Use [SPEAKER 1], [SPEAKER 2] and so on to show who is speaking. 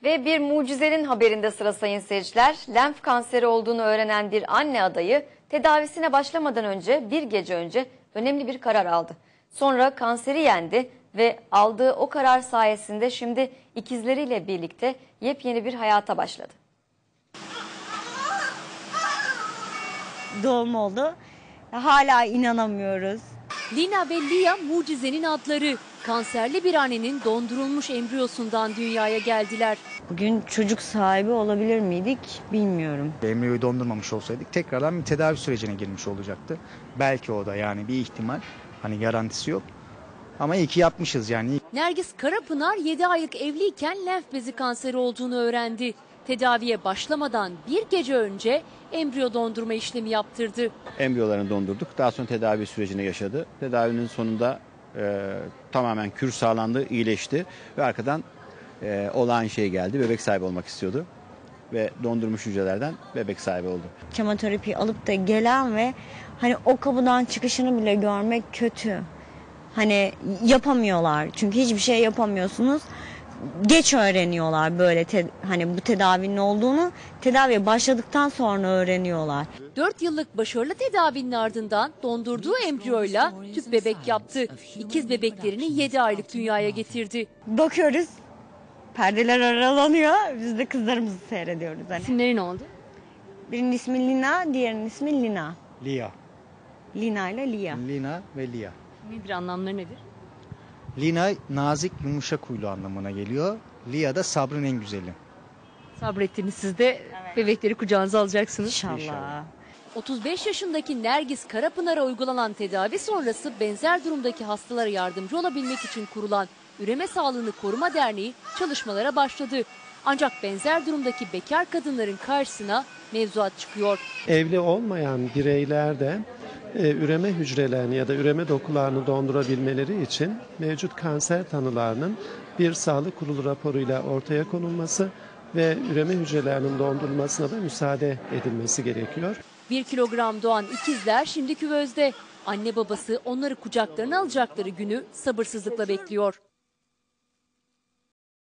[SPEAKER 1] Ve bir mucizenin haberinde sıra sayın seyirciler. Lenf kanseri olduğunu öğrenen bir anne adayı tedavisine başlamadan önce bir gece önce önemli bir karar aldı. Sonra kanseri yendi ve aldığı o karar sayesinde şimdi ikizleriyle birlikte yepyeni bir hayata başladı.
[SPEAKER 2] Doğum oldu. Hala inanamıyoruz.
[SPEAKER 3] Lina ve Lia mucizenin adları. Kanserli bir annenin dondurulmuş embriyosundan dünyaya geldiler.
[SPEAKER 2] Bugün çocuk sahibi olabilir miydik bilmiyorum.
[SPEAKER 4] Embriyoyu dondurmamış olsaydık tekrardan bir tedavi sürecine girmiş olacaktı. Belki o da yani bir ihtimal. Hani garantisi yok. Ama iyi ki yapmışız yani.
[SPEAKER 3] Nergis Karapınar 7 aylık evliyken lenf bezi kanseri olduğunu öğrendi. Tedaviye başlamadan bir gece önce embriyo dondurma işlemi yaptırdı.
[SPEAKER 5] Embriyolarını dondurduk. Daha sonra tedavi sürecine yaşadı. Tedavinin sonunda tamamen kür sağlandı, iyileşti ve arkadan olağan şey geldi. Bebek sahibi olmak istiyordu ve dondurmuş hücrelerden bebek sahibi oldu.
[SPEAKER 2] Kemoterapi alıp da gelen ve hani o kapıdan çıkışını bile görmek kötü. Hani yapamıyorlar çünkü hiçbir şey yapamıyorsunuz. Geç öğreniyorlar böyle hani bu tedavinin olduğunu tedaviye başladıktan sonra öğreniyorlar.
[SPEAKER 3] 4 yıllık başarılı tedavinin ardından dondurduğu embriyoyla tüp bebek yaptı. İkiz bebeklerini 7 aylık dünyaya getirdi.
[SPEAKER 2] Bakıyoruz perdeler aralanıyor, biz de kızlarımızı seyrediyoruz. Hani.
[SPEAKER 3] İsimleri ne oldu?
[SPEAKER 2] Birinin ismi Lina, diğerinin ismi Lina.
[SPEAKER 4] Lia.
[SPEAKER 2] Lina ile Lia.
[SPEAKER 4] Lina ve Lia.
[SPEAKER 3] Nedir, anlamları nedir?
[SPEAKER 4] Lina nazik yumuşak huylu anlamına geliyor. Lia da sabrın en güzeli.
[SPEAKER 3] Sabrettiniz, siz de bebekleri kucağınıza alacaksınız.
[SPEAKER 2] İnşallah.
[SPEAKER 3] 35 yaşındaki Nergis Karapınar'a uygulanan tedavi sonrası benzer durumdaki hastalara yardımcı olabilmek için kurulan Üreme Sağlığını Koruma Derneği çalışmalara başladı. Ancak benzer durumdaki bekar kadınların karşısına mevzuat çıkıyor.
[SPEAKER 6] Evli olmayan bireyler de üreme hücrelerini ya da üreme dokularını dondurabilmeleri için mevcut kanser tanılarının bir sağlık kurulu raporuyla ortaya konulması ve üreme hücrelerinin dondurulmasına da müsaade edilmesi gerekiyor.
[SPEAKER 3] 1 kilogram doğan ikizler şimdi küvezde. Anne babası onları kucaklarına alacakları günü sabırsızlıkla bekliyor.